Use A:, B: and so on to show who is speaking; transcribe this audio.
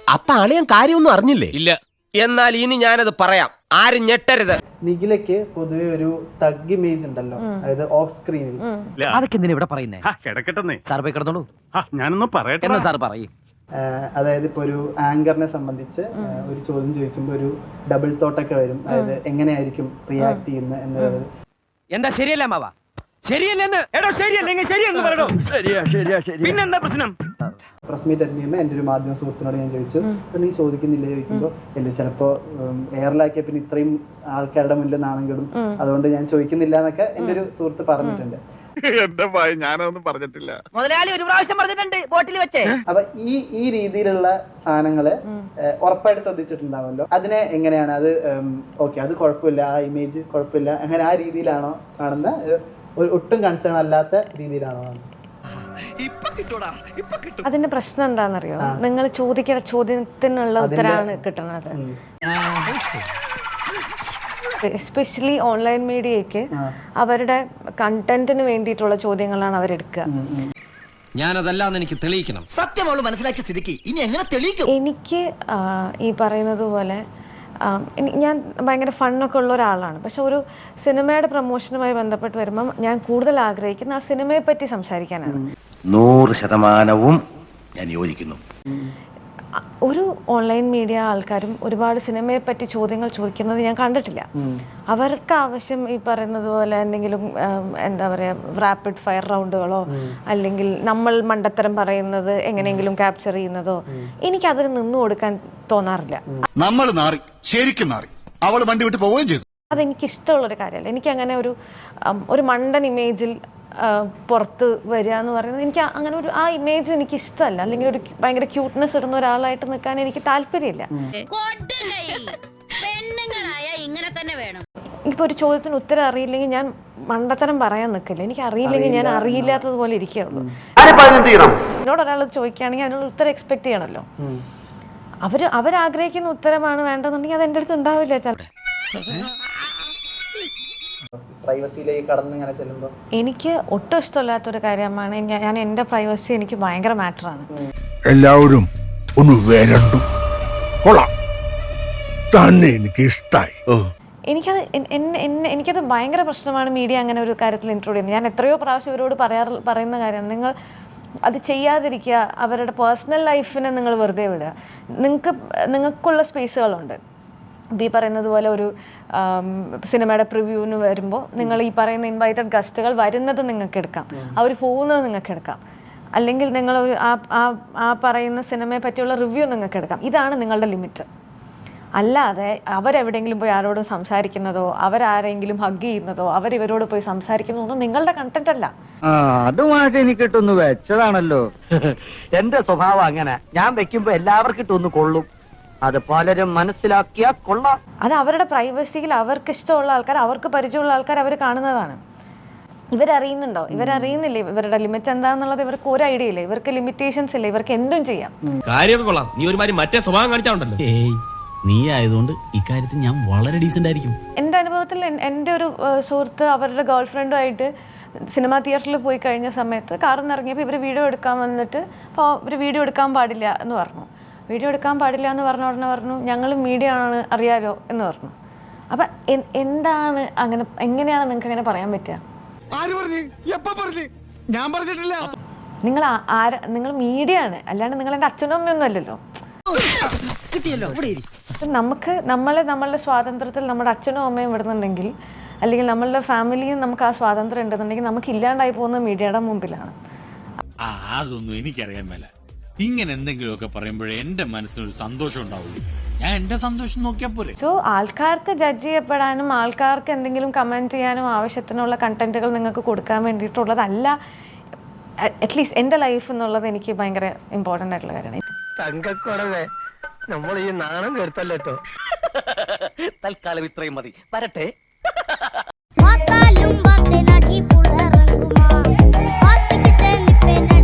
A: അപ്പൊ അളിയൻ കാര്യമൊന്നും അറിഞ്ഞില്ലേ?
B: ഇല്ല.
A: എന്നാൽ ഇനി ഞാനത് പറയാം, ആരും ഞെട്ടരുത്.
C: നിഖിലയ്ക്ക് പൊതുവെ ഒരു തഗ് ഇമേജ് ഉണ്ടല്ലോ, അതായത് ഓഫ് സ്ക്രീനിൽ.
D: അതൊക്കെ എന്തിനാ ഇവിടെ പറയുന്നേ?
E: കിടക്കട്ടെ
D: സാർ പോയി കിടന്നോളൂ.
E: ഞാനൊന്ന് പറയട്ടെ.
D: സാർ പറയും.
C: അതായത് ഇപ്പൊ ഒരു ആങ്കറിനെ സംബന്ധിച്ച് ഒരു ചോദ്യം ചോദിക്കുമ്പോൾ ഒരു ഡബിൾ തോട്ടൊക്കെ വരും, അതായത് എങ്ങനെയായിരിക്കും റിയാക്ട് ചെയ്യുന്നത് എന്നുള്ളത്.
D: എന്താ ശരിയല്ല മാവ? ശരിയല്ലെന്ന് പിന്നെന്താ പ്രശ്നം?
C: പ്രസ് മീറ്റ് അറ്റൻഡ് ചെയ്യുമ്പോൾ എൻ്റെ ഒരു മാധ്യമ സുഹൃത്തിനോട് ഞാൻ ചോദിച്ചു, അപ്പം നീ ചോദിക്കുന്നില്ലേ ചോദിക്കുമ്പോൾ ഇല്ല, ചിലപ്പോൾ എയറിലാക്കിയ പിന്നെ ഇത്രയും ആൾക്കാരുടെ മുന്നിൽ നാണെങ്കിലും അതുകൊണ്ട് ഞാൻ ചോദിക്കുന്നില്ല എന്നൊക്കെ എൻ്റെ ഒരു സുഹൃത്ത് പറഞ്ഞിട്ടുണ്ട്.
E: എന്റെ ഭയ ഞാനൊന്നും പറഞ്ഞിട്ടില്ല.
D: മുതലാളി ഒരു പ്രാവശ്യം പറഞ്ഞിട്ടുണ്ട് ബോട്ടിൽ വെച്ചേ.
C: അപ്പൊ ഈ രീതിയിലുള്ള സാധനങ്ങള് ഉറപ്പായിട്ട് ശ്രദ്ധിച്ചിട്ടുണ്ടാവുമല്ലോ, അതിനെ എങ്ങനെയാണ് അത് ഓക്കെ അത് കുഴപ്പമില്ല, ആ ഇമേജ് കുഴപ്പമില്ല, അങ്ങനെ ആ രീതിയിലാണോ കാണുന്ന, ഒട്ടും കൺസേൺ അല്ലാത്ത രീതിയിലാണോ കാണുന്നത്?
F: അതിന്റെ പ്രശ്നം എന്താണെന്നറിയോ? നിങ്ങൾ ചോദിക്കുന്ന ചോദ്യത്തിനുള്ള ഉത്തരമാണ് കിട്ടുന്നത്. എസ്പെഷ്യലി ഓൺലൈൻ മീഡിയയ്ക്ക് അവരുടെ കണ്ടന്റിന് വേണ്ടിയിട്ടുള്ള ചോദ്യങ്ങളാണ് അവരെടുക്കുക.
A: ഞാനതല്ലാന്ന് എനിക്ക് തെളിയിക്കണം. സത്യമോള് മനസ്സിലാക്കിയ സ്ഥിതിക്ക് ഇനി എങ്ങനെ തെളിയിക്കും?
F: എനിക്ക് ഈ പറയുന്നത് പോലെ ഞാൻ ഭയങ്കര ഫണ്ണൊക്കെ ഉള്ള ഒരാളാണ്. പക്ഷെ ഒരു സിനിമയുടെ പ്രൊമോഷനുമായി ബന്ധപ്പെട്ട് വരുമ്പം ഞാൻ കൂടുതൽ ആഗ്രഹിക്കുന്ന ആ സിനിമയെ പറ്റി സംസാരിക്കാനാണ്.
G: 100% ഞാൻ യോജിക്കുന്നു.
F: ഒരു ഓൺലൈൻ മീഡിയ ആൾക്കാരും ഒരുപാട് സിനിമയെ പറ്റി ചോദ്യങ്ങൾ ചോദിക്കുന്നത് ഞാൻ കണ്ടിട്ടില്ല. അവർക്ക് ആവശ്യം ഈ പറയുന്നത് പോലെ എന്തെങ്കിലും എന്താ പറയുക, റാപ്പിഡ് ഫയർ റൗണ്ടുകളോ അല്ലെങ്കിൽ നമ്മൾ മണ്ടത്തരം പറയുന്നത് എങ്ങനെയെങ്കിലും ക്യാപ്ചർ ചെയ്യുന്നതോ എനിക്കതിന് നിന്നു കൊടുക്കാൻ തോന്നാറില്ല.
H: നമ്മൾ നാറി, ശരിക്കും നാറി. അവൾ വണ്ടി വിട്ട് പോവുകയും ചെയ്തു.
F: അതെനിക്ക് ഇഷ്ടമുള്ളൊരു കാര്യമല്ല. എനിക്കങ്ങനെ ഒരു മണ്ടൻ ഇമേജിൽ പുറത്ത് വരിക എന്ന് പറയുന്നത് എനിക്ക് അങ്ങനെ ഒരു ആ ഇമേജ് എനിക്ക് ഇഷ്ടമല്ല. അല്ലെങ്കിൽ ഒരു ഭയങ്കര ക്യൂട്ട്നെസ് ഇടുന്ന ഒരാളായിട്ട് നിൽക്കാൻ എനിക്ക് താല്പര്യമില്ല. എനിക്കിപ്പോൾ ഒരു ചോദ്യത്തിന് ഉത്തരം അറിയില്ലെങ്കിൽ ഞാൻ മണ്ടത്തരം പറയാൻ നിൽക്കില്ല. എനിക്ക് അറിയില്ലെങ്കിൽ ഞാൻ അറിയില്ലാത്തതുപോലെ ഇരിക്കുകയുള്ളൂ. എന്നോട് ഒരാൾ ചോദിക്കുകയാണെങ്കിൽ അതിനുള്ള ഉത്തരം എക്സ്പെക്ട് ചെയ്യണമല്ലോ. അവരാഗ്രഹിക്കുന്ന ഉത്തരമാണ് വേണ്ടതെന്നുണ്ടെങ്കിൽ അത് എൻ്റെ അടുത്ത് ഉണ്ടാവില്ല.
C: പ്രൈവസിയിലേക്ക് കടന്ന് ഇങ്ങനെ ചെല്ലുമ്പോൾ എനിക്ക്
F: ഒട്ടും ഇഷ്ടമില്ലാത്തൊരു കാര്യമാണ്. ഞാൻ എൻ്റെ പ്രൈവസി എനിക്ക് ഭയങ്കര മാറ്ററാണ്.
I: എല്ലാവരും ഒന്ന് വരണ്ടു കൊള്ളാം തന്നെ, എനിക്ക് ഇഷ്ടമായി.
F: എനിക്കത് ഭയങ്കര പ്രശ്നമാണ് മീഡിയ അങ്ങനെ ഒരു കാര്യത്തിൽ ഇൻട്രോഡ് ചെയ്യുന്നത്. ഞാൻ എത്രയോ പ്രാവശ്യം ഇവരോട് പറയുന്ന കാര്യമാണ്, നിങ്ങൾ അത് ചെയ്യാതിരിക്കുക. അവരുടെ പേഴ്സണൽ ലൈഫിനെ നിങ്ങൾ വെറുതെ വിടുക. നിങ്ങൾക്കുള്ള സ്പേസുകളുണ്ട്. ഈ പറയുന്നത് പോലെ ഒരു സിനിമയുടെ പ്രിവ്യൂവിന് വരുമ്പോൾ നിങ്ങൾ ഈ പറയുന്ന ഇൻവൈറ്റഡ് ഗസ്റ്റുകൾ വരുന്നത് നിങ്ങൾക്ക് എടുക്കാം, അവർ പോകുന്നത് നിങ്ങൾക്ക് എടുക്കാം, അല്ലെങ്കിൽ നിങ്ങൾ ആ പറയുന്ന സിനിമയെ പറ്റിയുള്ള റിവ്യൂ നിങ്ങൾക്ക് എടുക്കാം. ഇതാണ് നിങ്ങളുടെ ലിമിറ്റ്. അല്ലാതെ അവരെവിടെയെങ്കിലും പോയി ആരോടും സംസാരിക്കുന്നതോ അവരാരെങ്കിലും ഹഗ് ചെയ്യുന്നതോ അവരിവരോട് പോയി സംസാരിക്കുന്നതോ ഒന്നും നിങ്ങളുടെ കണ്ടന്റ് അല്ല.
D: അതുമായിട്ട് എനിക്കിട്ടൊന്ന് വെച്ചതാണല്ലോ. എന്റെ സ്വഭാവം അങ്ങനെ, ഞാൻ വെക്കുമ്പോ എല്ലാവർക്കും ഇട്ടൊന്ന് കൊള്ളും. അത് പലരും മനസ്സിലാക്കിയാ കൊള്ളാം.
F: അത് അവരുടെ പ്രൈവസിയിൽ അവർക്ക് ഇഷ്ടമുള്ള ആൾക്കാർ, അവർക്ക് പരിചയമുള്ള ആൾക്കാർ അവർ കാണുന്നതാണ്. ഇവരറിയുന്നുണ്ടോ? ഇവരറിയുന്നില്ലേ ഇവരുടെ ലിമിറ്റ് എന്താണെന്നുള്ളത്? ഇവർക്ക് ഒരു ഐഡിയ ഇല്ല. ഇവർക്ക് ലിമിറ്റേഷൻസ് ഇല്ല. ഇവർക്ക് എന്തും ചെയ്യാം.
B: കാര്യം കൊള്ളാം. നീ ഒരുമാതിരി മറ്റേ സ്വഭാവം കാണിച്ചാണ്ടല്ലോ.
D: നീ ആയതുകൊണ്ട് ഇക്കാര്യത്തിൽ ഞാൻ വളരെ ഡീസന്റ് ആയിരിക്കും.
F: എൻ്റെ അനുഭവത്തിൽ എൻ്റെ ഒരു സുഹൃത്ത് അവരുടെ ഗേൾ ഫ്രണ്ടുമായിട്ട് സിനിമാ തിയേറ്ററിൽ പോയി കഴിഞ്ഞ സമയത്ത് കാറിൽ നിന്ന് ഇറങ്ങിയപ്പോൾ ഇവർ വീഡിയോ എടുക്കാൻ വന്നിട്ട്, അപ്പോൾ ഇവർ വീഡിയോ എടുക്കാൻ പാടില്ല എന്ന് പറഞ്ഞു. വീഡിയോ എടുക്കാൻ പാടില്ല എന്ന് പറഞ്ഞ ഉടനെ പറഞ്ഞു, ഞങ്ങൾ മീഡിയ ആണ് അറിയാലോ എന്ന് പറഞ്ഞു. അപ്പം എന്താണ് അങ്ങനെ, എങ്ങനെയാണ് നിങ്ങൾക്ക് അങ്ങനെ പറയാൻ പറ്റുക? നിങ്ങൾ മീഡിയ ആണ്, അല്ലാണ്ട് നിങ്ങൾ എൻ്റെ അച്ഛനും അമ്മയൊന്നും അല്ലല്ലോ. നമ്മളുടെ സ്വാതന്ത്ര്യത്തിൽ നമ്മുടെ അച്ഛനും അമ്മയും വിടുന്നുണ്ടെങ്കിൽ, അല്ലെങ്കിൽ നമ്മളുടെ ഫാമിലിയും നമുക്ക് ആ സ്വാതന്ത്ര്യം ഉണ്ടെന്നുണ്ടെങ്കിൽ നമുക്ക് ഇല്ലാണ്ടായി പോകുന്ന മീഡിയയുടെ മുമ്പിലാണ്.
J: അതൊന്നും എനിക്കറിയാൻ മേല. ഇങ്ങനെ എന്തെങ്കിലുമൊക്കെ പറയുമ്പോഴേ എന്റെ മനസ്സിനൊരു സന്തോഷം ഉണ്ടാവുള്ളൂ. ഞാൻ എന്റെ സന്തോഷം നോക്കിയാൽ പോലെ.
F: സോ ആൾക്കാർക്ക് ജഡ്ജ് ചെയ്യപ്പെടാനും ആൾക്കാർക്ക് എന്തെങ്കിലും കമന്റ് ചെയ്യാനും ആവശ്യത്തിനുള്ള കണ്ടന്റുകൾ നിങ്ങൾക്ക് കൊടുക്കാൻ വേണ്ടിയിട്ടുള്ളതല്ല അറ്റ്ലീസ്റ്റ് എൻ്റെ ലൈഫ് എന്നുള്ളത് എനിക്ക് ഭയങ്കര ഇമ്പോർട്ടൻ്റ് ആയിട്ടുള്ള കാര്യമാണ്.
D: തങ്കക്കുറവേ, നമ്മൾ ഈ നാണം കേട്ടല്ലോ. തൽക്കാലം ഇത്രയും മതി. വരട്ടെ.
K: Mata lumba te nadi pula ranguma, hat kite nipe